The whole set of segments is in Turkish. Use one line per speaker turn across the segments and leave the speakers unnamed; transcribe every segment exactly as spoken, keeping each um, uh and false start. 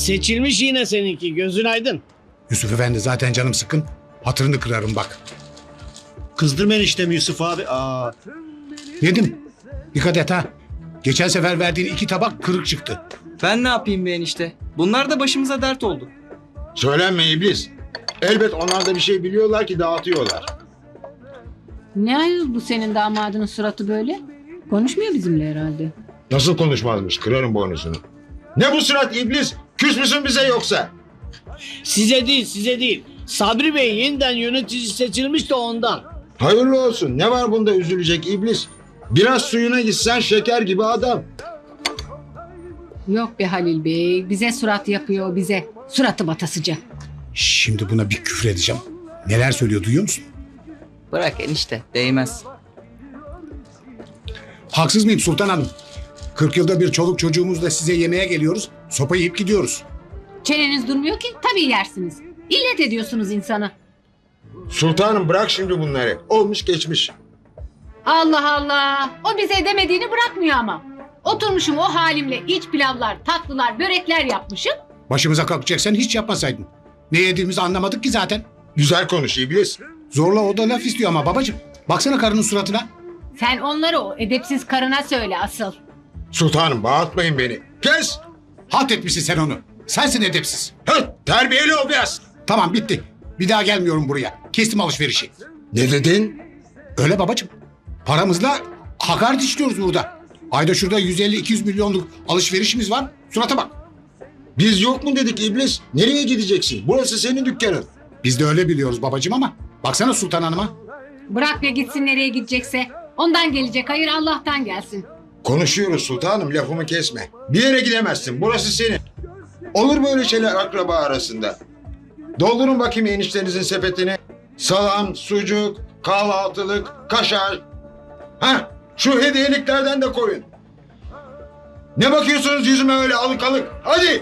Seçilmiş yine seninki, gözün aydın.
Yusuf Efendi zaten canım sıkın. Hatırını kırarım bak.
Kızdırma eniştemi Yusuf abi. Aa.
Yedim. Dikkat et ha. Geçen sefer verdiğin iki tabak kırık çıktı.
Ben ne yapayım be enişte? Bunlar da başımıza dert oldu.
Söylenme iblis. Elbet onlar da bir şey biliyorlar ki dağıtıyorlar.
Ne ayol bu senin damadının suratı böyle? Konuşmuyor bizimle herhalde.
Nasıl konuşmazmış, kırarım boynuzunu. Ne bu surat iblis? Küs müsün bize yoksa?
Size değil, size değil. Sabri Bey yeniden yönetici seçilmiş de ondan.
Hayırlı olsun. Ne var bunda üzülecek iblis? Biraz suyuna gitsen şeker gibi adam.
Yok be Halil Bey, bize surat yapıyor bize. Suratı batasıca.
Şimdi buna bir küfür edeceğim. Neler söylüyor duyuyor musun?
Bırak enişte, değmez.
Haksız mıyım Sultan Hanım? kırk yılda bir çoluk çocuğumuzla size yemeğe geliyoruz. Sopa yiyip gidiyoruz.
Çeneniz durmuyor ki tabii yersiniz. İllet ediyorsunuz insanı.
Sultanım bırak şimdi bunları. Olmuş geçmiş.
Allah Allah. O bize demediğini bırakmıyor ama. Oturmuşum o halimle iç pilavlar, tatlılar, börekler yapmışım.
Başımıza kalkacaksan hiç yapmasaydın. Ne yediğimizi anlamadık ki zaten.
Güzel konuş iblis.
Zorla o da laf istiyor ama babacığım. Baksana karının suratına.
Sen onları o edepsiz karına söyle asıl.
Sultanım bağırtmayın beni. Kes.
Halt etmişsin sen onu. Sensin edepsiz.
Hı, terbiyeli ol biraz.
Tamam bitti. Bir daha gelmiyorum buraya. Kestim alışverişi.
Ne dedin?
Öyle babacığım. Paramızla hakaret işliyoruz burada. Ayda şurada yüz elli iki yüz milyonluk alışverişimiz var. Surata bak.
Biz yok mu dedik iblis? Nereye gideceksin? Burası senin dükkanın.
Biz de öyle biliyoruz babacığım ama. Baksana Sultan Hanım'a.
Bırak ya gitsin nereye gidecekse. Ondan gelecek hayır Allah'tan gelsin.
Konuşuyoruz sultanım, lafımı kesme. Bir yere gidemezsin, burası senin. Olur böyle şeyler akraba arasında. Doldurun bakayım eniştenizin sepetini. Salam, sucuk, kahvaltılık, kaşar. Ha, şu hediyeliklerden de koyun. Ne bakıyorsunuz yüzüme öyle alık alık? Hadi.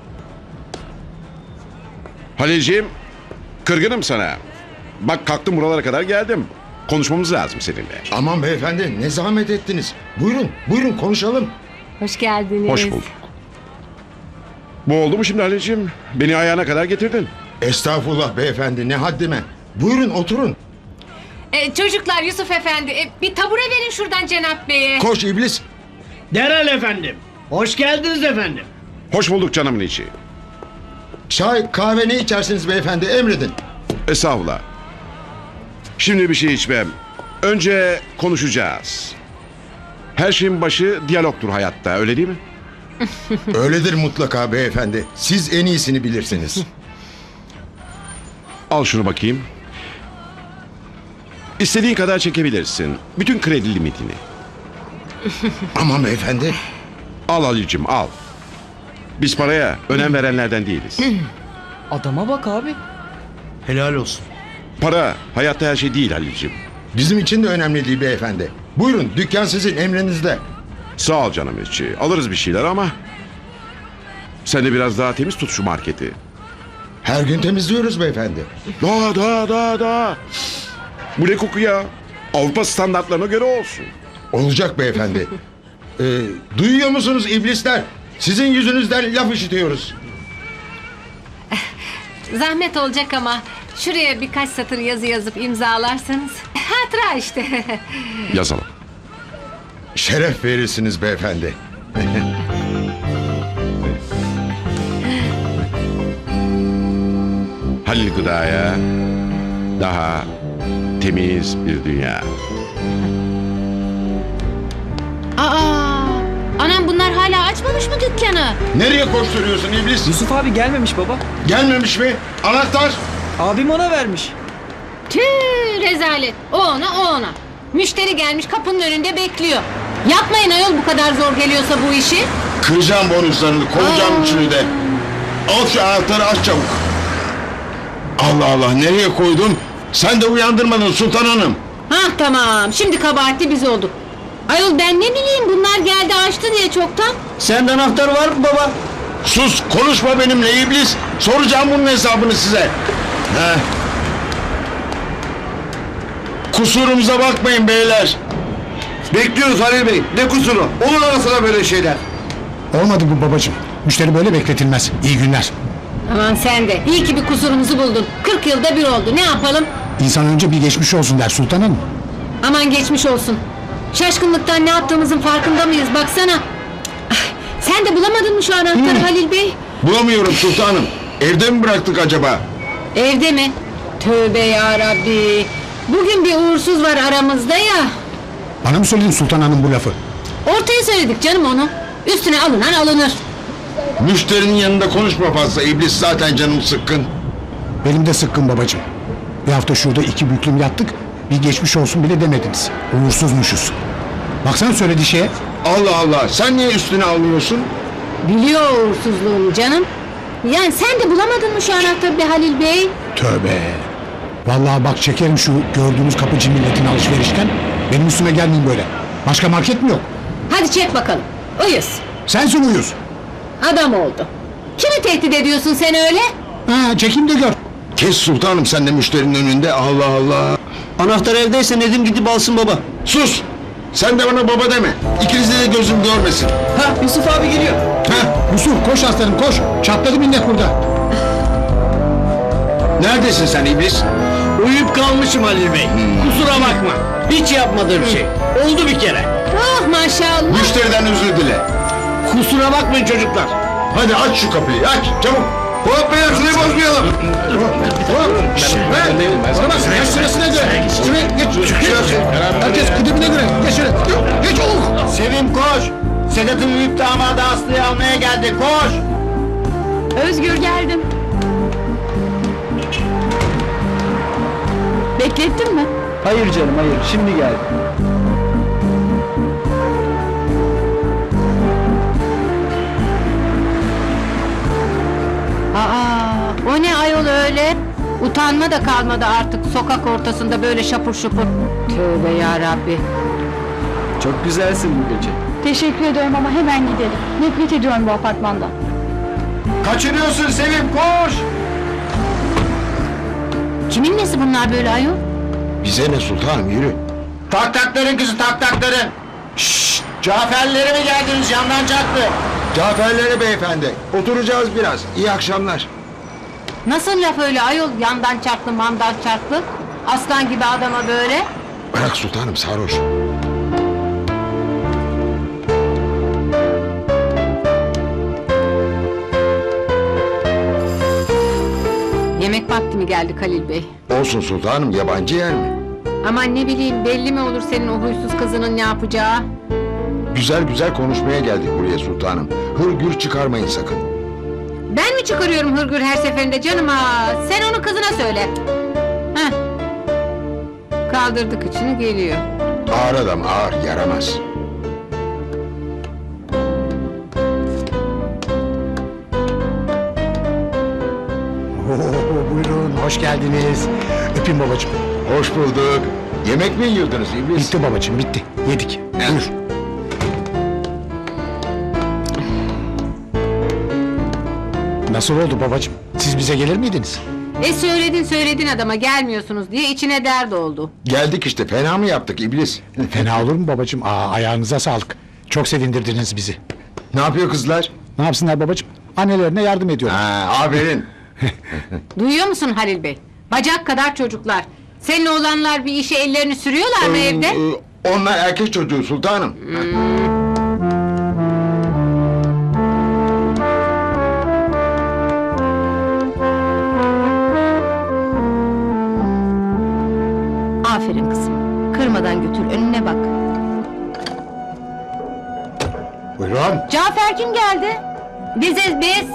Halilciğim, kırgınım sana. Bak kalktım buralara kadar geldim. Konuşmamız lazım seninle.
Aman beyefendi, ne zahmet ettiniz. Buyurun, buyurun konuşalım.
Hoş geldiniz.
Hoş bulduk. Bu oldu mu şimdi Halilciğim? Beni ayağına kadar getirdin.
Estağfurullah beyefendi, ne haddime. Buyurun oturun.
E, çocuklar Yusuf Efendi e, bir tabure verin şuradan Cenap Bey'e.
Koş iblis.
Derhal efendim. Hoş geldiniz efendim.
Hoş bulduk canımın içi.
Çay, kahve ne içersiniz beyefendi, emredin.
Estağfurullah. Şimdi bir şey içmem. Önce konuşacağız. Her şeyin başı diyalogtur hayatta, öyle değil mi?
Öyledir mutlaka beyefendi. Siz en iyisini bilirsiniz.
Al şunu bakayım. İstediğin kadar çekebilirsin. Bütün kredi limitini.
Aman beyefendi.
Al Halilciğim, al. Biz paraya önem verenlerden değiliz.
Adama bak abi.
Helal olsun.
Para hayatta her şey değil Halilciğim.
Bizim için de önemli değil beyefendi. Buyurun, dükkan sizin emrinizde.
Sağ ol canım içi. Alırız bir şeyler ama... Sen de biraz daha temiz tut şu marketi.
Her gün temizliyoruz beyefendi.
Daha daha daha daha. Bu ne koku ya? Avrupa standartlarına göre olsun.
Olacak beyefendi. ee, duyuyor musunuz iblisler? Sizin yüzünüzden laf işitiyoruz.
Zahmet olacak ama şuraya birkaç satır yazı yazıp imzalarsanız. Hatıra işte.
Yazalım.
Şeref verirsiniz beyefendi.
Halil Gıda'ya daha temiz bir dünya.
Aa, anam bunlar hala açmamış mı dükkanı?
Nereye koşturuyorsun iblis?
Yusuf abi gelmemiş baba.
Gelmemiş mi? Anahtar.
Abim ona vermiş.
Tüh rezalet. O ona o ona. Müşteri gelmiş kapının önünde bekliyor. Yapmayın ayol bu kadar zor geliyorsa bu işi.
Kıracağım bonuslarını, kovacağım üçünü de. Al şu anahtarı aç çabuk. Allah Allah, nereye koydun? Sen de uyandırmadın Sultan Hanım.
Hah tamam şimdi kabahatli biz olduk. Ayol ben ne bileyim bunlar geldi açtı diye çoktan.
Sende anahtar var mı baba?
Sus, konuşma benimle iblis. Soracağım bunun hesabını size. Heh. Kusurumuza bakmayın beyler.
Bekliyoruz Halil Bey. Ne kusuru? Olur arasına böyle şeyler.
Olmadı bu babacığım. Müşteri böyle bekletilmez. İyi günler.
Aman sen de. İyi ki bir kusurumuzu buldun. kırk yılda bir oldu. Ne yapalım?
İnsan önce bir geçmiş olsun der Sultan Hanım.
Aman geçmiş olsun. Şaşkınlıktan ne yaptığımızın farkında mıyız? Baksana. Ah, sen de bulamadın mı şu anahtarı Halil Bey?
Bulamıyorum sultanım. Evde mi bıraktık acaba?
Evde mi? Tövbe ya Rabbi. Bugün bir uğursuz var aramızda ya.
Bana mı söyledin Sultan Hanım bu lafı?
Ortaya söyledik canım onu. Üstüne alınan alınır.
Müşterinin yanında konuşma fazla. İblis zaten canım sıkkın.
Benim de sıkkın babacığım. Bir hafta şurada iki büklüm yattık. Bir geçmiş olsun bile demediniz. Uğursuzmuşuz. Baksana söylediği şeye.
Allah Allah. Sen niye üstüne alıyorsun?
Biliyor uğursuzluğunu canım. Yani sen de bulamadın mı şu anahtarı be Halil Bey?
Tövbe. Vallahi bak çekerim şu gördüğünüz kapıcı milletin alışverişten. Benim üstüme gelmeyin böyle. Başka market mi yok?
Hadi çek bakalım. Uyuz.
Sensin uyuz.
Adam oldu. Kimi tehdit ediyorsun sen öyle?
Ha, çekeyim de gör.
Kes sultanım sen de müşterinin önünde. Allah Allah.
Anahtar evdeyse Nedim gidip alsın baba.
Sus. Sen de bana baba deme. İkinizde de gözüm görmesin.
Ha Yusuf abi geliyor.
Heh.
Yusuf koş aslanım koş. Çatladı minnet burada.
Neredesin sen iblis?
Uyuyup kalmışım Halil Bey. Kusura bakma. Hiç yapmadığım şey. Oldu bir kere.
Oh maşallah.
Müşteriden özür dile.
Kusura bakmayın çocuklar.
Hadi aç şu kapıyı aç çabuk. Hop beyler şurayı bozmayalım.
Hop. Şşş. Bana bak. Geç sırasına göre. Şuraya geç. Geç. Herkes kıdemine göre. Geç şöyle. Geç oğlum.
Sevim koş. Sedat'ın büyük damadı Aslı'yı almaya geldi. Koş.
Özgür geldim. Beklettin mi?
Hayır canım hayır. Şimdi geldi.
Aa, o ne ayol öyle? Utanma da kalmadı artık sokak ortasında böyle şapur şupur. Tövbe ya Rabbi.
Çok güzelsin bu gece.
Teşekkür ediyorum ama hemen gidelim. Nefret ediyorum bu apartmandan.
Kaçırıyorsun Sevim koş.
Kimin nesi bunlar böyle ayol?
Bize ne sultanım yürü.
Tak takların kızı tak takların. Şşş. Caferlere mi geldiniz yandan çaktı?
Caferlere beyefendi. Oturacağız biraz. İyi akşamlar.
Nasıl laf öyle ayol yandan çarptı mandan çarptı? Aslan gibi adama böyle.
Bırak sultanım sarhoş.
Yemek vakti mi geldi Halil Bey?
Olsun sultanım yabancı yer mi?
Aman ne bileyim belli mi olur senin o huysuz kızının ne yapacağı?
Güzel güzel konuşmaya geldik buraya sultanım. Hırgür çıkarmayın sakın.
Ben mi çıkarıyorum hırgür her seferinde canım ha? Sen onu kızına söyle. Heh. Kaldırdık içini geliyor.
Ağır adam ağır yaramaz.
Oo, buyurun hoş geldiniz. Öpeyim babacığım.
Hoş bulduk. Yemek mi yiyordunuz iblis?
Bitti babacığım bitti. Yedik. Buyur. Nasıl oldu babacığım? Siz bize gelir miydiniz?
E söyledin söyledin adama gelmiyorsunuz diye içine dert oldu.
Geldik işte fena mı yaptık iblis?
Fena olur mu babacığım? Aa, ayağınıza sağlık. Çok sevindirdiniz bizi.
Ne yapıyor kızlar?
Ne yapsınlar babacığım? Annelerine yardım ediyorlar.
Ha, aferin.
Duyuyor musun Halil Bey? Bacak kadar çocuklar. Senin oğlanlar bir işe ellerini sürüyorlar mı evde?
Ee, Onlar erkek çocuğu sultanım.
Aferin kızım. Kırmadan götür önüne bak.
Buyurun.
Cafer kim geldi? Biziz biz.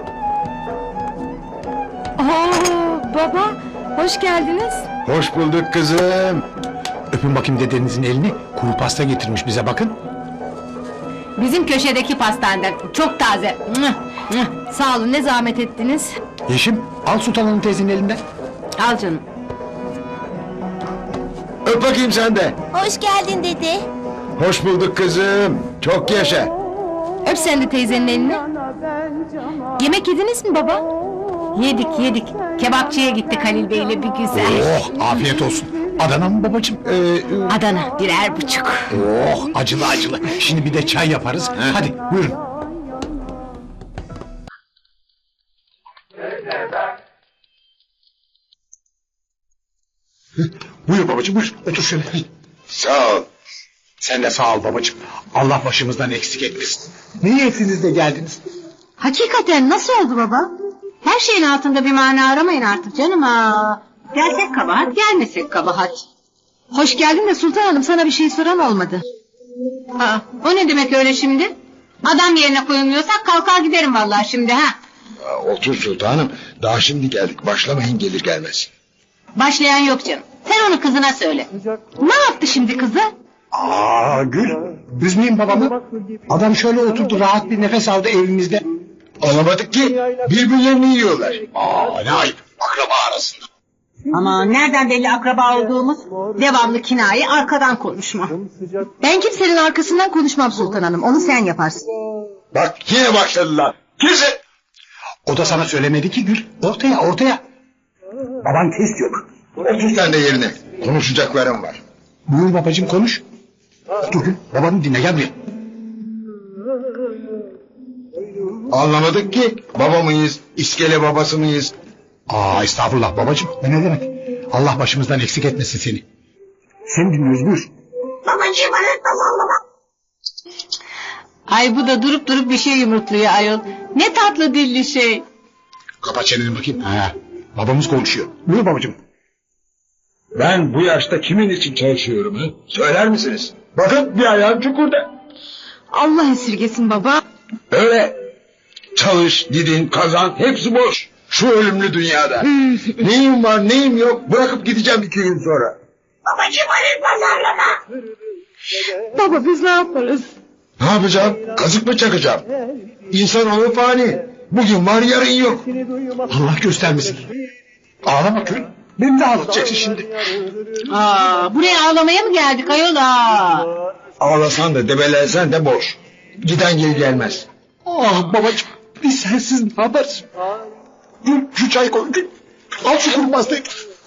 Oo, baba, hoş geldiniz.
Hoş bulduk kızım.
Öpün bakayım dedenizin elini. Kuru pasta getirmiş bize bakın.
Bizim köşedeki pastaneden. Çok taze. Mıh, mıh. Sağ olun ne zahmet ettiniz.
Yeşim al Sultan Hanım teyzenin elinden.
Al canım.
Öp bakayım sen de.
Hoş geldin dede.
Hoş bulduk kızım. Çok yaşa.
Öp sen de teyzenin elini. Yemek yediniz mi baba? Yedik yedik. Kebapçıya gittik Halil Bey'le bir güzel.
Oh afiyet olsun. Adana mı babacığım?
Ee,
Adana birer buçuk.
Oh acılı acılı. Şimdi bir de çay yaparız. Hadi buyurun. Buyur babacığım buyur. Otur şöyle.
Sağ ol.
Sen de sağ ol babacığım. Allah başımızdan eksik etmesin. Ne niyetiniz de geldiniz?
Hakikaten nasıl oldu baba? Her şeyin altında bir mana aramayın artık canım ha. Gelsek kabahat, gelmesek kabahat. Hoş geldin de Sultan Hanım, sana bir şey soran olmadı. Aa, o ne demek öyle şimdi? Adam yerine koyulmuyorsak kalkar giderim vallahi şimdi ha.
Aa, otur sultanım. Daha şimdi geldik. Başlamayın gelir gelmez.
Başlayan yok canım. Sen onu kızına söyle. Ne yaptı şimdi kızı?
Aa Gül. Üzmeyin babamı. Adam şöyle oturdu rahat bir nefes aldı evimizde.
Alamadık ki. Birbirlerini yiyorlar. Aa ne ayıp. Akraba arasında.
Ama nereden belli akraba olduğumuz? Devamlı kinaye, arkadan konuşma. Ben kimsenin arkasından konuşmam Sultan Hanım. Onu sen yaparsın.
Bak yine başladılar. Kesin.
O da sana söylemedi ki Gül. Ortaya ortaya. Baban kes diyor.
Otur sen de yerine. Konuşacaklarım var.
Buyur babacığım konuş. Otur Gül. Babanı dinle gel buraya.
Anlamadık ki. Baba mıyız? İskele babası mıyız?
Aa estağfurullah babacığım. Ne, ne demek? Allah başımızdan eksik etmesin seni. Sen dinliyoruz buyur.
Ay bu da durup durup bir şey yumurtluyor ayol. Ne tatlı dilli şey.
Kapat çeneni bakayım. Ha, babamız konuşuyor. Buyur babacığım.
Ben bu yaşta kimin için çalışıyorum ha? Söyler misiniz? Bakın bir ayağım çukurda.
Allah esirgesin baba.
Öyle. Çalış, gidin, kazan hepsi boş. Şu ölümlü dünyada. Neyim var neyim yok bırakıp gideceğim iki gün sonra.
Baba biz ne yaparız?
Ne yapacağım? Kazık mı çakacağım? İnsanoğlu fani. Bugün var yarın yok.
Allah göstermesin. Ağlama Gül. Beni de ağlatacaksın şimdi.
Aa, buraya ağlamaya mı geldik ayol aa?
Ağlasan da debelensen de boş. Giden geri gelmez.
Ah babacığım. Biz sensiz ne yaparız? Gül şu çay koy Gül. Al şu kuru pastayı.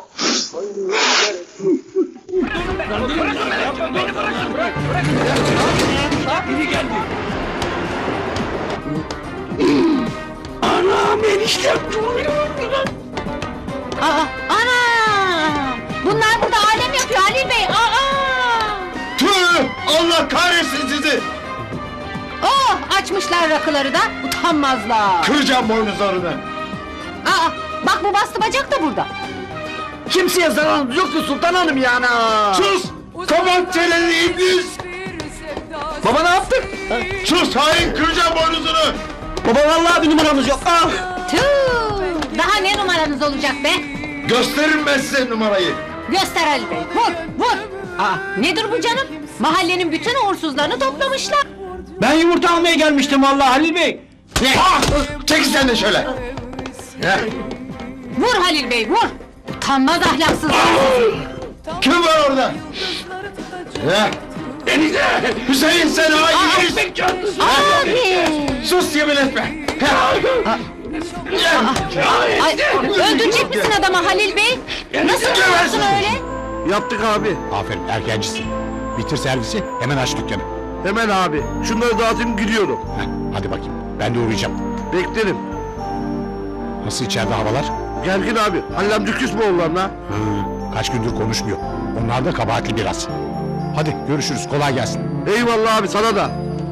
Aa, ana! Bunlar burada alem yapıyor Halil Bey. Aa!
Tüh! Allah kahretsin sizi!
Oh, açmışlar rakıları da utanmazlar.
Kıracağım boynuzlarını.
Aa, bak bu bastı bacak da burada.
Kimseye zararımız yoktu Sultan Hanım yani.
Sus! Kapat çeneni iblis!
Baba ne yaptık?
Sus hain kıracağım boynuzunu!
Baba vallahi bir numaramız yok. Ah!
Tüh! Daha ne numaranız olacak be?
Gösteririm ben size numarayı.
Göster Halil Bey, vur, vur! Aa, nedir bu canım? Mahallenin bütün uğursuzlarını toplamışlar.
Ben yumurta almaya gelmiştim vallahi Halil Bey.
Ne? Ah! Çekil sen de şöyle. Heh.
Vur Halil Bey, vur! Utanmaz ahlaksızlar.
Kim var orada? Heh. Hüseyin sen hain!
Abi!
Sus yemin etme! Heh.
Ay, öldürecek misin adamı Halil Bey? Nasıl diyorsun öyle?
Yaptık abi.
Aferin erkencisin. Bitir servisi hemen aç dükkanı.
Hemen abi. Şunları dağıtayım gidiyorum.
Heh, hadi bakayım ben de uğrayacağım.
Beklerim.
Nasıl içeride havalar?
Gergin abi. Halil amca küs mü oğlanla?
Hı, kaç gündür konuşmuyor. Onlar da kabahatli biraz. Hadi görüşürüz kolay gelsin.
Eyvallah abi sana da.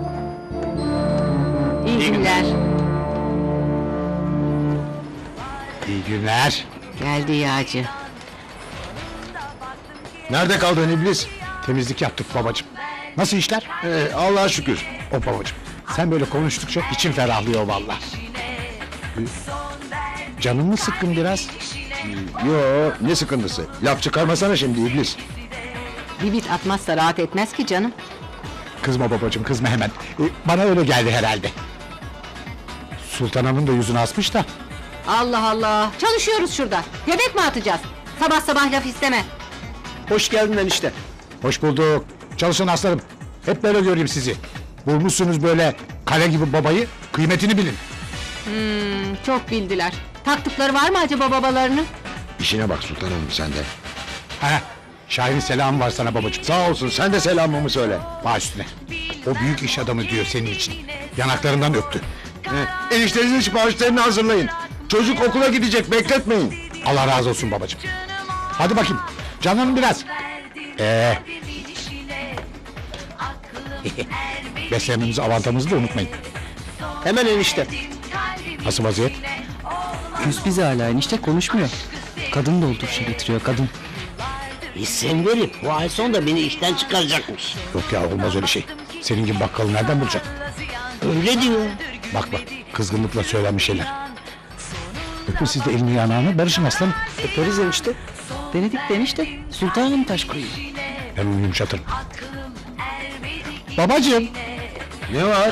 İyi günler.
İyi günler.
Geldi yağcı.
Nerede kaldın iblis? Temizlik yaptık babacığım. Nasıl işler?
Ee, Allah'a şükür.
O babacığım. Sen böyle konuştukça içim ferahlıyor vallahi. Canın mı sıkkın biraz?
Yo ne sıkıntısı? Laf çıkarmasana şimdi iblis.
Bir bit atmazsa rahat etmez ki canım.
Kızma babacığım kızma hemen. Ee, bana öyle geldi herhalde. Sultan Hanım da yüzünü asmış da.
Allah Allah. Çalışıyoruz şurada. Göbek mi atacağız? Sabah sabah laf isteme.
Hoş geldin enişte.
Hoş bulduk. Çalışın aslanım. Hep böyle göreyim sizi. Bulmuşsunuz böyle kale gibi babayı. Kıymetini bilin.
Hmm, çok bildiler. Taktıkları var mı acaba babalarını?
İşine bak Sultan Hanım sen de.
Heh, Şahin'in selamı var sana babacığım.
Sağ olsun sen de selamımı söyle.
Baş üstüne. O büyük iş adamı diyor senin için. Yanaklarından öptü.
Heh. Eniştenizin siparişlerini hazırlayın. Çocuk okula gidecek bekletmeyin.
Allah razı olsun babacığım. Hadi bakayım. Canlanın biraz. Ee. Beslenmemizi, avantamızı da unutmayın.
Hemen enişte.
Nasıl vaziyet?
Küs bize hala enişte konuşmuyor. Kadın dolduruşa getiriyor kadın.
İsim verip bu ay sonunda beni işten çıkaracakmış.
Yok ya, olmaz öyle şey. Senin gibi bakkalı nereden bulacak?
Öyle diyor.
Bak bak, kızgınlıkla söylenmiş şeyler. Öpün siz de elini yanağını, barışın aslanım.
Öperiz enişte. Denedik de enişte. Sultanım taş koyuyor.
Ben onu yumuşatırım. Babacığım.
Ne var?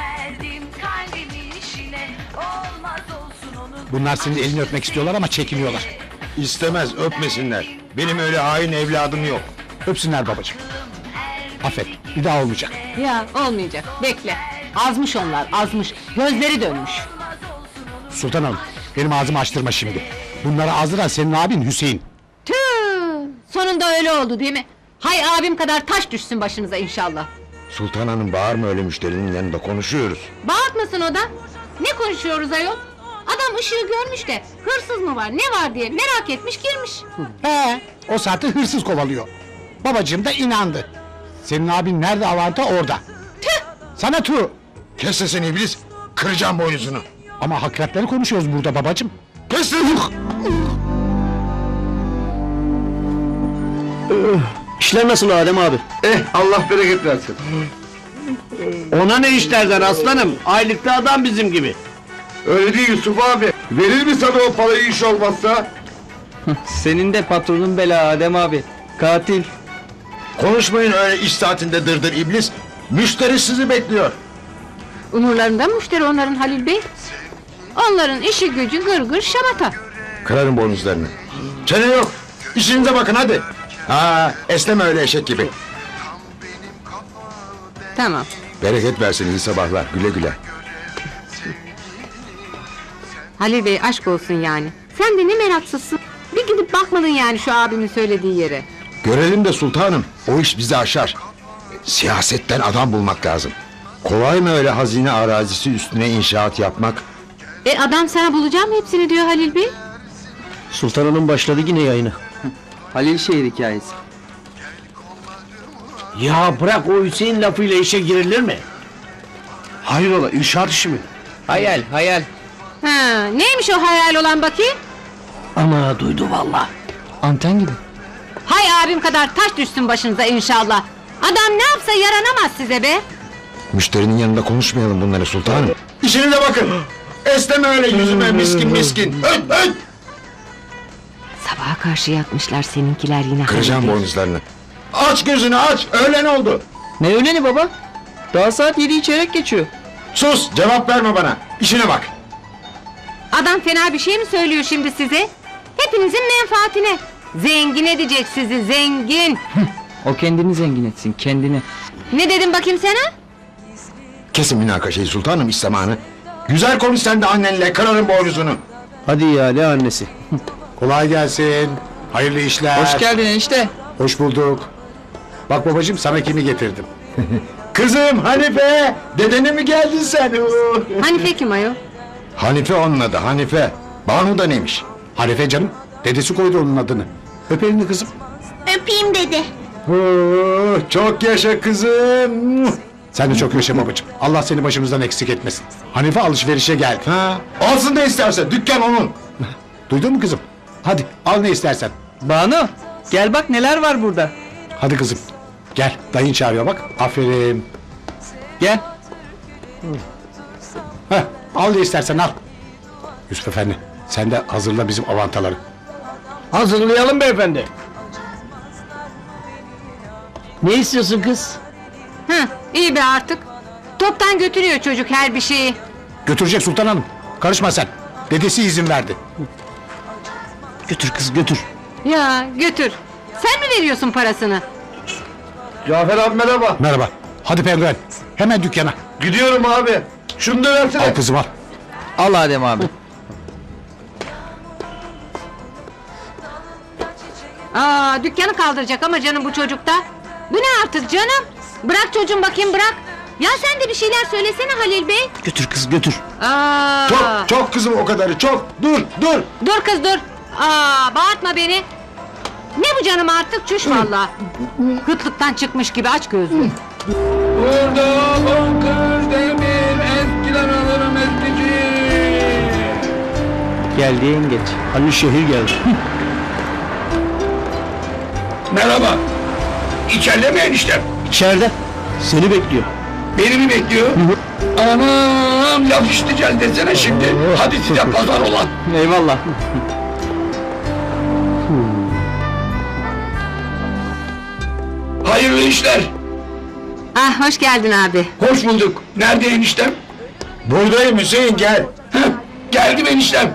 Bunlar senin elini öpmek istiyorlar ama çekiniyorlar.
İstemez, öpmesinler. Benim öyle hain evladım yok.
Öpsünler babacığım. Affet, bir daha olmayacak.
Ya olmayacak. Bekle. Azmış onlar, azmış. Gözleri dönmüş.
Sultan Hanım, benim ağzımı açtırma şimdi. Bunları azdıran senin abin Hüseyin.
Tüh! Sonunda öyle oldu değil mi? Hay abim kadar taş düşsün başınıza inşallah.
Sultan Hanım bağırma öyle müşterinin yanında konuşuyoruz.
Bağırtmasın o da. Ne konuşuyoruz ayol? Adam ışığı görmüş de hırsız mı var ne var diye merak etmiş girmiş.
He, o saatte hırsız kovalıyor. Babacığım da inandı. Senin abin nerede avanta orada.
Tüh!
Sana tu.
Kes sesini iblis. Kıracağım boynuzunu.
Ama hakikatleri konuşuyoruz burada babacığım.
Kes sesini.
İşler nasıl Adem abi?
Eh Allah bereket versin.
Ona ne işlerden aslanım? Aylıklı adam bizim gibi.
Öyle değil Yusuf abi. Verir mi sana o parayı iş olmazsa?
Senin de patronun bela Adem abi. Katil.
Konuşmayın öyle iş saatinde dırdır iblis. Müşteri sizi bekliyor.
Umurlarında müşteri onların Halil Bey. Onların işi gücü gır gır şamata.
Kırarım boynuzlarını. Çene yok. İşinize bakın hadi. Ha, esneme öyle eşek gibi.
Tamam.
Bereket versin iyi sabahlar. Güle güle.
Halil Bey aşk olsun yani. Sen de ne meraksızsın. Bir gidip bakmadın yani şu abimin söylediği yere.
Görelim de sultanım. O iş bizi aşar. Siyasetten adam bulmak lazım. Kolay mı öyle hazine arazisi üstüne inşaat yapmak?
E adam sana bulacağım hepsini diyor Halil Bey.
Sultan Hanım başladı yine yayını.
Halil şehir hikayesi.
Ya bırak o Hüseyin lafıyla işe girilir mi? Hayrola inşaat işi mi?
Hayal hayal.
Ha, neymiş o hayal olan bakayım?
Ama duydu valla.
Anten gibi.
Hay abim kadar taş düşsün başınıza inşallah. Adam ne yapsa yaranamaz size be.
Müşterinin yanında konuşmayalım bunları sultanım. İşinize bakın. Esneme öyle yüzüme miskin miskin. Öt öt.
Sabaha karşı yatmışlar seninkiler yine.
Kıracağım boynuzlarını. Aç gözünü aç. Öğlen oldu.
Ne öyleni baba? Daha saat yedi çeyrek geçiyor.
Sus cevap verme bana. İşine bak.
Adam fena bir şey mi söylüyor şimdi size? Hepinizin menfaatine. Zengin edecek sizi zengin.
O kendini zengin etsin kendini.
Ne dedim bakayım sana?
Kesin münakaşayı sultanım iş zamanı. Güzel konuş sen de annenle kırarım boynuzunu.
Hadi ya ne annesi?
Kolay gelsin. Hayırlı işler.
Hoş geldin enişte.
Hoş bulduk. Bak babacığım, sana kimi getirdim.
Kızım Hanife. Dedene mi geldin sen? Uh.
Hanife kim ayol?
Hanife onun adı Hanife. Banu da neymiş?
Hanife canım. Dedesi koydu onun adını. Öp elini kızım.
Öpeyim dedi.
Oh, çok yaşa kızım.
Sen de çok yaşa babacığım. Allah seni başımızdan eksik etmesin. Hanife alışverişe geldi.
Ha, alsın da isterse dükkan onun.
Duydun mu kızım? Hadi al ne istersen.
Banu gel bak neler var burada.
Hadi kızım. Gel, dayın çağırıyor bak. Aferin.
Gel.
Heh, al ne istersen al. Yusuf Efendi, sen de hazırla bizim avantaları.
Hazırlayalım beyefendi. Ne istiyorsun kız?
Hı, iyi be artık. Toptan götürüyor çocuk her bir şeyi.
Götürecek Sultan Hanım. Karışma sen. Dedesi izin verdi.
Götür kız götür.
Ya götür. Sen mi veriyorsun parasını?
Cafer abi merhaba.
Merhaba. Hadi penguen. Hemen dükkana.
Gidiyorum abi. Şunu da versene.
Al kızım al.
Al Adem abi.
Aa, dükkanı kaldıracak ama canım bu çocukta. Bu ne artık canım? Bırak çocuğum bakayım bırak. Ya sen de bir şeyler söylesene Halil Bey.
Götür kız götür.
Aa,
Çok çok kızım o kadarı çok. Dur dur.
Dur kız dur. Aa, bağırtma beni. Ne bu canım artık çüş valla. Kıtlıktan çıkmış gibi aç gözlü.
Burada bakır demir eskiden alırım eskici.
Geldi yengeç.
Hani şehir geldi.
Merhaba. İçeride mi eniştem?
İçeride. Seni bekliyor.
Beni mi bekliyor? Anam laf işiteceğiz desene şimdi. Hadi size pazar olan.
Eyvallah.
Hayırlı işler.
Ah hoş geldin abi.
Hoş bulduk. Nerede eniştem?
Buradayım Hüseyin gel.
Heh, geldim eniştem.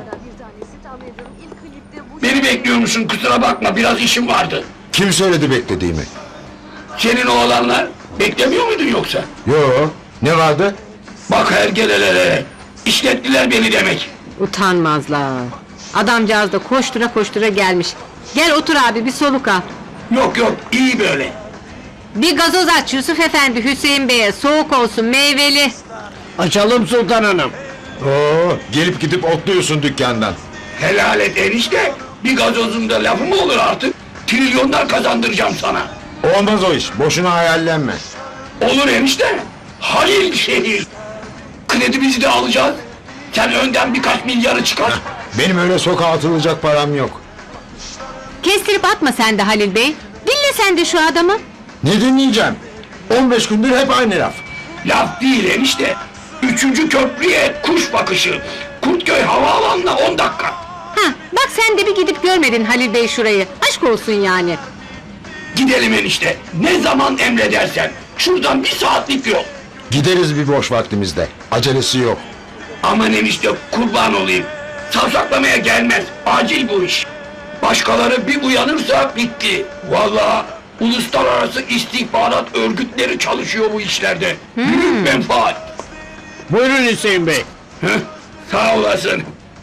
Beni bekliyormuşsun kusura bakma biraz işim vardı.
Kim söyledi beklediğimi?
Senin oğlanlar beklemiyor muydun yoksa?
Yo, ne vardı?
Bak hergelelere. İşlettiler beni demek.
Utanmazlar. Adamcağız da koştura koştura gelmiş. Gel otur abi bir soluk al.
Yok yok iyi böyle.
Bir gazoz aç Yusuf Efendi Hüseyin Bey'e soğuk olsun meyveli.
Açalım Sultan Hanım.
Oo, gelip gidip otluyorsun dükkandan.
Helal et enişte. Bir gazozunda lafı mı olur artık? Trilyonlar kazandıracağım sana.
Olmaz o iş, boşuna hayallenme.
Olur enişte. Halil şehir. Kredimizi de alacağız. Sen önden birkaç milyarı çıkar.
Benim öyle sokağa atılacak param yok.
Kestirip atma sen de Halil Bey. Dinle sen de şu adamı.
Ne dinleyeceğim? on beş gündür hep aynı laf.
Laf değil enişte. Üçüncü köprüye kuş bakışı. Kurtköy havaalanına on dakika.
Hah, bak sen de bir gidip görmedin Halil Bey şurayı. Aşk olsun yani.
Gidelim enişte. Ne zaman emredersen. Şuradan bir saatlik yol.
Gideriz bir boş vaktimizde. Acelesi yok.
Aman enişte kurban olayım. Savsaklamaya gelmez. Acil bu iş. Başkaları bir uyanırsa bitti. Vallahi uluslararası istihbarat örgütleri çalışıyor bu işlerde. Büyük menfaat.
Buyurun Hüseyin Bey.
Heh, sağ olasın.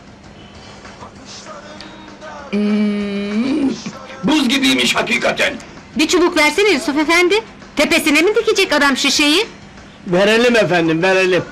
Hmm, buz gibiymiş hakikaten.
Bir çubuk versene Yusuf Efendi. Tepesine mi dikecek adam şişeyi?
Verelim efendim verelim.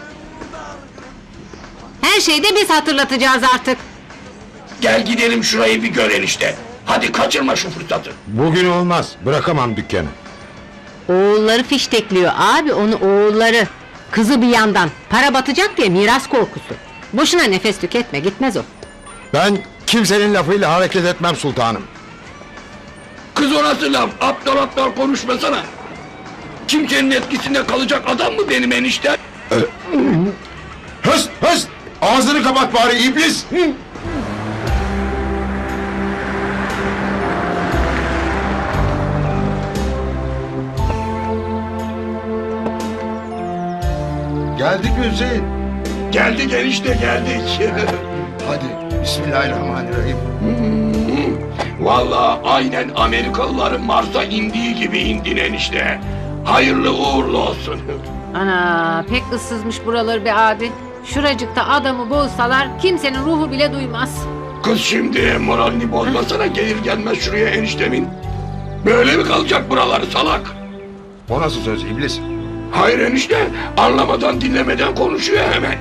Her şeyi de biz hatırlatacağız artık.
Gel gidelim şurayı bir gör enişte. Hadi kaçırma şu fırsatı.
Bugün olmaz, bırakamam dükkanı.
Oğulları fiştekliyor abi onu oğulları. Kızı bir yandan para batacak diye miras korkusu. Boşuna nefes tüketme gitmez o.
Ben kimsenin lafıyla hareket etmem sultanım.
Kız o nasıl laf? Aptal aptal konuşmasana. Kimsenin etkisinde kalacak adam mı benim enişte?
Hıs hıs! Ağzını kapat bari iblis! Geldik mi Hüseyin?
Geldik enişte geldik.
Hadi bismillahirrahmanirrahim.
Vallahi aynen Amerikalıların Mars'a indiği gibi indin enişte. Hayırlı uğurlu olsun.
Ana pek ıssızmış buraları be abi. Şuracıkta adamı bozsalar kimsenin ruhu bile duymaz.
Kız şimdi moralini bozmasana gelir gelmez şuraya eniştemin. Böyle mi kalacak buraları salak?
O nasıl söz iblis?
Hayır enişte anlamadan dinlemeden konuşuyor hemen.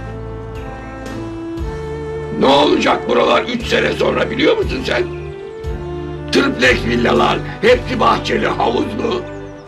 Ne olacak buralar üç sene sonra biliyor musun sen? Triplex villalar, hepsi bahçeli, havuzlu.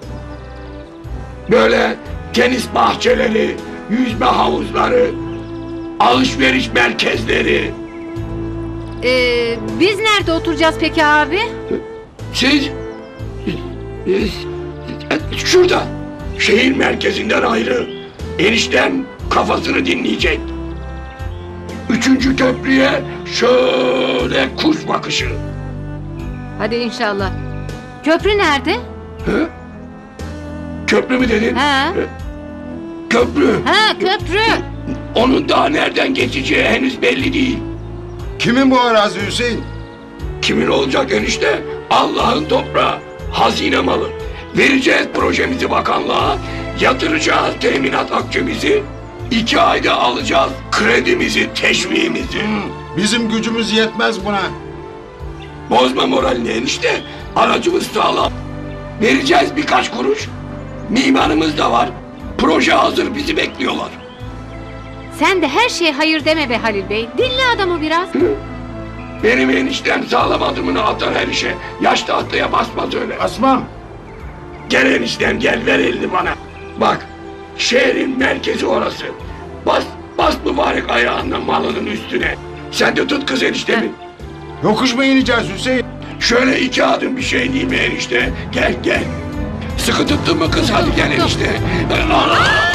Böyle tenis bahçeleri, yüzme havuzları, alışveriş merkezleri.
Ee, biz nerede oturacağız peki abi?
Siz, siz şurada, şehir merkezinden ayrı. Eniştem kafasını dinleyecek. Üçüncü köprüye şöyle kuş bakışı.
Hadi inşallah. Köprü nerede?
Hı? Köprü mü dedin?
Ha?
Köprü.
Ha köprü.
Onun daha nereden geçeceği henüz belli değil.
Kimin bu arazi Hüseyin?
Kimin olacak enişte? Allah'ın toprağı, hazine malı. Vereceğiz projemizi bakanlığa, yatıracağız teminat akçemizi, iki ayda alacağız kredimizi, teşviğimizi.
Bizim gücümüz yetmez buna.
Bozma moralini enişte, aracımız sağlam. Vereceğiz birkaç kuruş, mimarımız da var, proje hazır bizi bekliyorlar.
Sen de her şeye hayır deme be Halil Bey. Dinle adamı biraz.
Benim eniştem sağlam adımını atar her işe. Yaş tahtaya basmaz öyle.
Asmam.
Gel eniştem gel ver elini bana. Bak şehrin merkezi orası. Bas bas mübarek ayağınla malının üstüne. Sen de tut kız eniştemi.
Yokuş mu ineceğiz Hüseyin?
Şöyle iki adım bir şey değil mi enişte? Gel gel. Sıkı tuttun mu kız hadi gel enişte. Allah!